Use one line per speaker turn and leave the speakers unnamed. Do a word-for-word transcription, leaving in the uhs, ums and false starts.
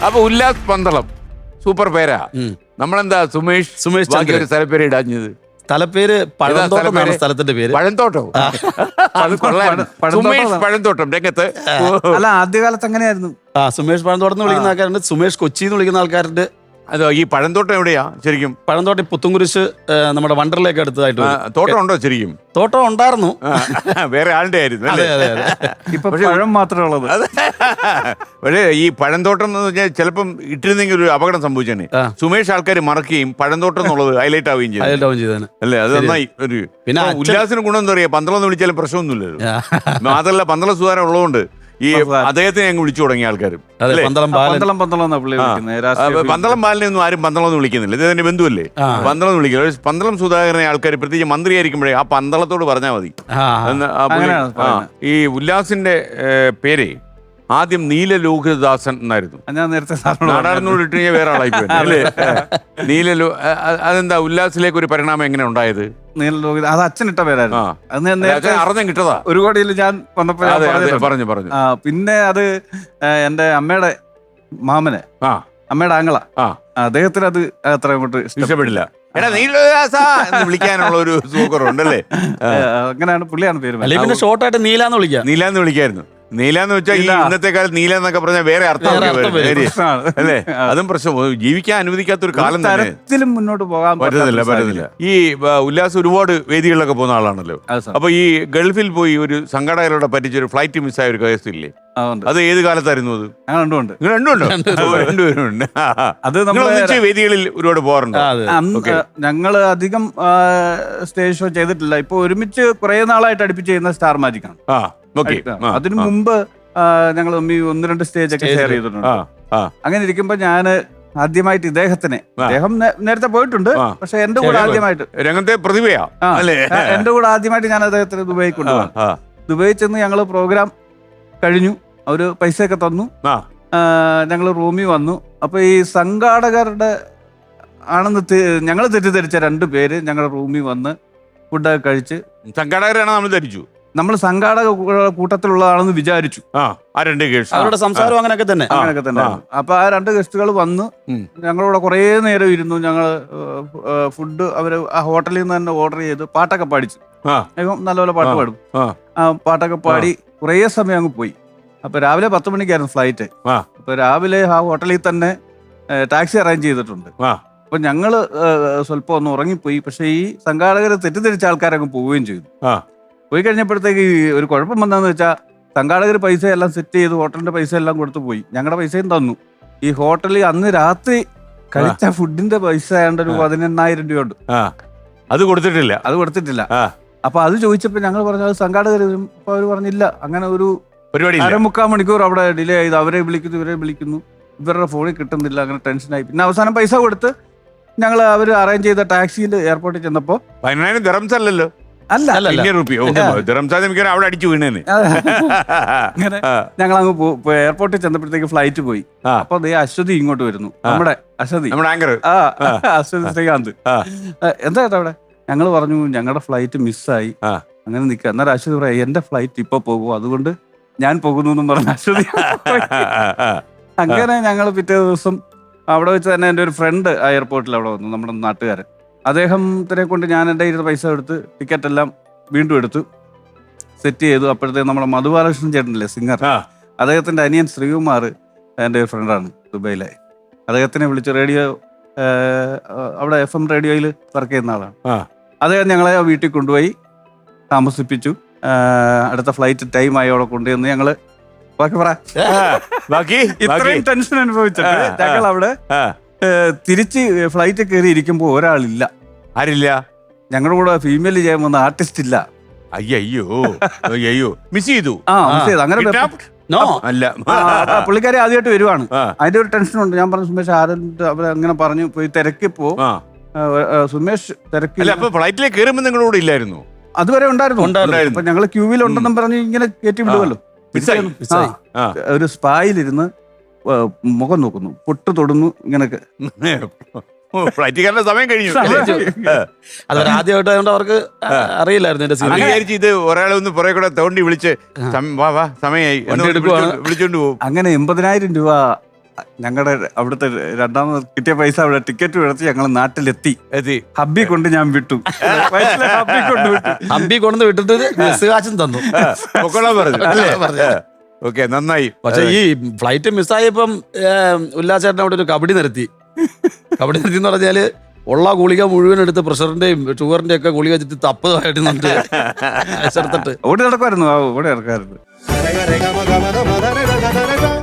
അപ്പൊ ഉല്ലാസ് പന്തളം സൂപ്പർ പേരാ. നമ്മളെന്താ സുമേഷ് സുമേഷ് ബാക്കി ഒരു സ്ഥലപ്പേര് ഇടാഞ്ഞത്?
സ്ഥലപ്പേര് പഴന്തോട്ടം, സ്ഥലത്തിന്റെ പേര്
പഴന്തോട്ടം. അത് കൊള്ളാം. സുമേഷ് പഴന്തോട്ടം രംഗത്ത്.
അല്ല, ആദ്യകാലത്ത് അങ്ങനെയായിരുന്നു.
ആ സുമേഷ് പഴന്തോട്ടം എന്ന് വിളിക്കുന്ന ആൾക്കാരുണ്ട്, സുമേഷ് കൊച്ചി എന്ന് വിളിക്കുന്ന ആൾക്കാരുണ്ട്.
അതോ ഈ പഴന്തോട്ടം എവിടെയാ ശരിക്കും?
പഴന്തോട്ടം പുത്തുംകുരിശ് നമ്മുടെ വണ്ടറിലേക്ക് അടുത്തതായിട്ട്.
തോട്ടം ഉണ്ടോ ശരിക്കും?
തോട്ടം ഉണ്ടായിരുന്നു,
വേറെ ആളുടെ ആയിരുന്നു.
ഇപ്പൊ പഴം മാത്രമേ ഉള്ളത്.
പക്ഷേ ഈ പഴന്തോട്ടം എന്ന് പറഞ്ഞാൽ ചിലപ്പം ഇട്ടിരുന്നെങ്കിൽ ഒരു അപകടം സംഭവിച്ചാണ്. സുമേഷ് ആൾക്കാർ മറക്കുകയും പഴന്തോട്ടം എന്നുള്ളത് ഹൈലൈറ്റ് ആവുകയും ചെയ്തു. അല്ലേ? അത് നന്നായി. ഒരു പിന്നെ ഉല്ലാസിന് ഗുണം എന്താ പറയാ, പന്തളം എന്ന് വിളിച്ചാലും പ്രശ്നമൊന്നുമില്ലല്ലോ. മാത്രമല്ല പന്തളം സുധാരം ഉള്ളതുകൊണ്ട് ഈ അദ്ദേഹത്തിനെ അങ്ങ് വിളിച്ചു തുടങ്ങിയ ആൾക്കാരും.
പന്തളം
ബാലിനെ ഒന്നും ആരും പന്തളം എന്ന് വിളിക്കുന്നില്ല. ഇത് ബന്ധുവല്ലേ പന്തളം എന്ന് വിളിക്കില്ല. പന്തളം സുധാകരനെ ആൾക്കാർ പ്രത്യേകിച്ച് മന്ത്രിയായിരിക്കുമ്പോഴേ ആ പന്തളത്തോട് പറഞ്ഞാൽ മതി. ഈ ഉല്ലാസിന്റെ പേര് ആദ്യം നീലലോഹിതദാസൻ എന്നായിരുന്നു.
ഞാൻ നേരത്തെ
നാടാടുന്നോട് ഇട്ട് കഴിഞ്ഞാൽ വേറെ ആളായി പോയി അല്ലേ? നീലലോ അതെന്താ ഉല്ലാസിലേക്ക് ഒരു പരിണാമം എങ്ങനെ ഉണ്ടായത്?
നീലലോഹിത അത് അച്ഛനിട്ട പേരായിരുന്നു.
അറിഞ്ഞം കിട്ടതാ
ഒരു കോടിയിൽ ഞാൻ വന്നപ്പോ
പറഞ്ഞു പറഞ്ഞു.
പിന്നെ അത് എന്റെ അമ്മയുടെ മാമന്, അമ്മയുടെ ആങ്ങള, അദ്ദേഹത്തിന് അത് അത്ര അങ്ങോട്ട്
ഇഷ്ടപ്പെടില്ല. എടാ നീലദാസ എന്ന് വിളിക്കാനുള്ള ഒരു സുഖമുണ്ടല്ലേ?
അങ്ങനെയാണ് പുള്ളിയാണ് പേര്.
പിന്നെ ഷോർട്ടായിട്ട് നീലാന്ന് വിളിക്കാം.
നീലാന്ന് വിളിക്കായിരുന്നു. നീലാന്ന് വെച്ചാൽ ഈ ഇന്നത്തെ കാലത്ത് നീല എന്നൊക്കെ പറഞ്ഞാൽ വേറെ അർത്ഥം അല്ലേ? അതും പ്രശ്നം. ജീവിക്കാൻ അനുവദിക്കാത്ത ഒരു കാലം
തരത്തിലും മുന്നോട്ട് പോകാൻ
പറ്റുന്നില്ല പറ്റുന്നില്ല ഈ ഉല്ലാസ് ഒരുപാട് വേദികളിലൊക്കെ പോകുന്ന ആളാണല്ലോ. അപ്പൊ ഈ ഗൾഫിൽ പോയി ഒരു സംഘാടകരോടെ പറ്റിച്ചൊരു ഫ്ലൈറ്റ് മിസ്സായ ഒരു കേസില്ലേ? അത് ഏത് കാലത്തായിരുന്നു? അത്
രണ്ടുമുണ്ട്.
രണ്ടുണ്ടോ? രണ്ടുപേരുണ്ട്. അത് നമ്മൾ വേദികളിൽ ഒരുപാട് പോകാറുണ്ട്.
ഞങ്ങള് അധികം സ്റ്റേജ് ഷോ ചെയ്തിട്ടില്ല. ഇപ്പൊ ഒരുമിച്ച് കുറെ നാളായിട്ട് അടുപ്പിച്ച് ചെയ്യുന്ന സ്റ്റാർ മാജിക് ആണ്. അതിനു മുമ്പ് ഞങ്ങൾ ഒന്ന് രണ്ട് സ്റ്റേജ് ഒക്കെ ഷെയർ ചെയ്തിട്ടുണ്ട്. അങ്ങനെ ഇരിക്കുമ്പോ ഞാന് ആദ്യമായിട്ട് ഇദ്ദേഹത്തിനെ, അദ്ദേഹം നേരത്തെ പോയിട്ടുണ്ട്, പക്ഷെ എന്റെ കൂടെ ആദ്യമായിട്ട്
രംഗത്തെ പ്രതിഭയാ അല്ലേ?
എന്റെ കൂടെ ആദ്യമായിട്ട് ഞാൻ അദ്ദേഹത്തിന് ദുബായി കൊണ്ടുപോകാം. ദുബായി ചെന്ന് ഞങ്ങള് പ്രോഗ്രാം കഴിഞ്ഞു, അവര് പൈസയൊക്കെ തന്നു, ഞങ്ങൾ റൂമിൽ വന്നു. അപ്പൊ ഈ സംഘാടകരുടെ ആണെന്ന് ഞങ്ങൾ തെറ്റിദ്ധരിച്ച രണ്ടു പേര് ഞങ്ങളുടെ റൂമിൽ വന്ന് ഫുഡൊക്കെ കഴിച്ച്,
സംഘാടകരാണ് നമ്മൾ ധരിച്ചു,
നമ്മൾ സംഘാടക കൂട്ടത്തിലുള്ളതാണെന്ന് വിചാരിച്ചു.
അവരുടെ സംസാരം അങ്ങനെയൊക്കെ തന്നെ
അങ്ങനെയൊക്കെ തന്നെ. അപ്പൊ ആ രണ്ട് ഗസ്റ്റുകൾ വന്നു, ഞങ്ങളോട് കുറേ നേരം ഇരുന്നു. ഞങ്ങൾ ഫുഡ് അവര് ആ ഹോട്ടലിൽ നിന്ന് തന്നെ ഓർഡർ ചെയ്ത് പാട്ടൊക്കെ പാടിച്ചു. നല്ലപോലെ പാട്ട് പാടും. ആ പാട്ടൊക്കെ പാടി കുറേ സമയം അങ്ങ് പോയി. അപ്പൊ രാവിലെ പത്ത് മണിക്കായിരുന്നു ഫ്ലൈറ്റ്. അപ്പൊ രാവിലെ ആ ഹോട്ടലിൽ തന്നെ ടാക്സി അറേഞ്ച് ചെയ്തിട്ടുണ്ട്. അപ്പൊ ഞങ്ങള് സ്വല്പം ഒന്ന് ഉറങ്ങിപ്പോയി. പക്ഷെ ഈ സംഘാടകരെ തെറ്റിദ്ധരിച്ച ആൾക്കാരങ്ങ് പോവുകയും ചെയ്തു. പോയി കഴിഞ്ഞപ്പോഴത്തേക്ക് ഒരു കുഴപ്പം വന്നതെന്ന് വെച്ചാൽ സംഘാടകർ പൈസ എല്ലാം സെറ്റ് ചെയ്ത് ഹോട്ടലിന്റെ പൈസ എല്ലാം കൊടുത്തു പോയി. ഞങ്ങളുടെ പൈസയും തന്നു. ഈ ഹോട്ടലിൽ അന്ന് രാത്രി കഴിച്ച ഫുഡിന്റെ പൈസ ആയതുകൊണ്ട് ഒരു പതിനെണ്ണായിരം രൂപയുണ്ട്.
അത് കൊടുത്തിട്ടില്ല
അത് കൊടുത്തിട്ടില്ല അപ്പൊ അത് ചോദിച്ചപ്പോ ഞങ്ങൾ പറഞ്ഞു അത് സംഘാടകർ. അപ്പൊ അവർ പറഞ്ഞില്ല, അങ്ങനെ ഒരു അരമുക്കാൽ മണിക്കൂർ അവിടെ ഡിലേ ചെയ്ത് അവരെ വിളിക്കുന്നു ഇവരെ വിളിക്കുന്നു, ഇവരുടെ ഫോണിൽ കിട്ടുന്നില്ല. അങ്ങനെ ടെൻഷനായി. പിന്നെ അവസാനം പൈസ കൊടുത്ത് ഞങ്ങൾ അവർ അറേഞ്ച് ചെയ്ത ടാക്സിയിൽ എയർപോർട്ടിൽ ചെന്നപ്പോ
പതിനായിരം ദിറംസ് അല്ലല്ലോ,
അല്ല
അവിടെ അടിച്ചു വീണേന്.
അങ്ങനെ ഞങ്ങൾ അങ്ങ് എയർപോർട്ടിൽ ചെന്നപ്പോഴത്തേക്ക് ഫ്ലൈറ്റ് പോയി. അപ്പൊ അതേ അശ്വതി ഇങ്ങോട്ട് വരുന്നു, നമ്മുടെ അശ്വതി, ആ അശ്വതി ശ്രീകാന്ത്. എന്താ ചേട്ടാ അവിടെ? ഞങ്ങൾ പറഞ്ഞു ഞങ്ങളുടെ ഫ്ലൈറ്റ് മിസ്സായി, അങ്ങനെ നിൽക്കുക. അന്നേരം അശ്വതി പറയാം എന്റെ ഫ്ലൈറ്റ് ഇപ്പൊ പോകും, അതുകൊണ്ട് ഞാൻ പോകുന്നു എന്നും പറഞ്ഞു അശ്വതി. അങ്ങനെ ഞങ്ങൾ പിറ്റേ ദിവസം അവിടെ വെച്ച് തന്നെ എൻ്റെ ഒരു ഫ്രണ്ട് ആ എയർപോർട്ടിൽ അവിടെ വന്നു, നമ്മുടെ നാട്ടുകാരൻ. അദ്ദേഹത്തിനെ കൊണ്ട് ഞാൻ എൻ്റെ ഇരുന്ന് പൈസ എടുത്ത് ടിക്കറ്റ് എല്ലാം വീണ്ടും എടുത്തു സെറ്റ് ചെയ്തു. അപ്പോഴത്തേക്ക് നമ്മുടെ മധുബാലകൃഷ്ണൻ ചേട്ടനില്ലേ സിംഗർ, അദ്ദേഹത്തിൻ്റെ അനിയൻ ശ്രീകുമാർ എൻ്റെ ഒരു ഫ്രണ്ടാണ് ദുബൈയിലെ. അദ്ദേഹത്തിനെ വിളിച്ച് റേഡിയോ അവിടെ എഫ് എം റേഡിയോയിൽ വർക്ക് ചെയ്യുന്ന ആളാണ്. അദ്ദേഹം ഞങ്ങളെ വീട്ടിൽ കൊണ്ടുപോയി താമസിപ്പിച്ചു. അടുത്ത ഫ്ലൈറ്റ് ടൈം ആയി അവിടെ കൊണ്ടുവന്ന് ഞങ്ങള് ബാക്കി പറ ഇത്രയും ടെൻഷൻ അനുഭവിച്ചിട്ട് ഞങ്ങൾ അവിടെ തിരിച്ച് ഫ്ലൈറ്റ് കയറി ഇരിക്കുമ്പോ ഒരാളില്ല.
ആരില്ല?
ഞങ്ങളുടെ കൂടെ ഫീമെയിൽ ചെയ്യാൻ വന്ന ആർട്ടിസ്റ്റ് ഇല്ല.
അയ്യോ അയ്യോ മിസ് ചെയ്തു.
ആ മിസ് ചെയ്തു. അങ്ങനെ
അല്ല,
പുള്ളിക്കാരി ആദ്യമായിട്ട് വരുവാണ്, അതിന്റെ ഒരു ടെൻഷനുണ്ട്. ഞാൻ പറഞ്ഞു സുമേഷ് ആരുടെ അവർ അങ്ങനെ പറഞ്ഞു പോയി തിരക്കിപ്പോ സുമേഷ് തിരക്കി.
ഫ്ലൈറ്റിലേക്ക് കയറുമ്പോ നിങ്ങളുടെ കൂടെ ഇല്ലായിരുന്നു?
അതുവരെ ഉണ്ടായിരുന്നു. അപ്പൊ ഞങ്ങള് ക്യൂവിൽ ഉണ്ടെന്നും പറഞ്ഞ് ഇങ്ങനെ കയറ്റി വിടുമല്ലോ. ഒരു സ്പായിലിരുന്ന് മുഖം നോക്കുന്നു, പൊട്ട് തൊടുന്നു, ഇങ്ങനൊക്കെ.
ഫ്ലൈറ്റുകാരുടെ സമയം കഴിഞ്ഞു.
ആദ്യമായിട്ട് അവർക്ക് അറിയില്ലായിരുന്നു
ഇത്. ഒരാളെ ഒന്ന് പുറകെ കൂടെ തോണ്ടി വിളിച്ച് സമയമായി വിളിച്ചോണ്ട് പോകും.
അങ്ങനെ എൺപതിനായിരം രൂപ ഞങ്ങളുടെ അവിടുത്തെ രണ്ടാമത് കിട്ടിയ പൈസ അവിടെ ടിക്കറ്റ് എടുത്ത് ഞങ്ങൾ നാട്ടിലെത്തി
എത്തി
ഹബ്ബി കൊണ്ട് ഞാൻ വിട്ടു വയറ്റിലെ ഹബ്ബി കൊണ്ട് വിട്ടു
ഹമ്പി കൊണ്ടു വിട്ടിട്ട് ബസ് കാശും തന്നു.
പൊക്കോളാൻ പറഞ്ഞു അല്ലേ? ഓക്കെ, നന്നായി.
പക്ഷെ ഈ ഫ്ലൈറ്റ് മിസ്സായപ്പം ഉല്ലാസേട്ടൻ അവിടെ ഒരു കബഡി നിർത്തി. കബഡി നിർത്തി എന്ന് പറഞ്ഞാല് ഉള്ള ഗുളിക മുഴുവൻ എടുത്ത് പ്രഷറിന്റെയും ഷുഗറിന്റെ ഒക്കെ ഗുളിക വെച്ചിട്ട് തപ്പതായിട്ട് നിന്നിട്ട് എടുത്തിട്ട്
ഓടി നടക്കുമായിരുന്നു ഓടി നടക്കാറുണ്ട്.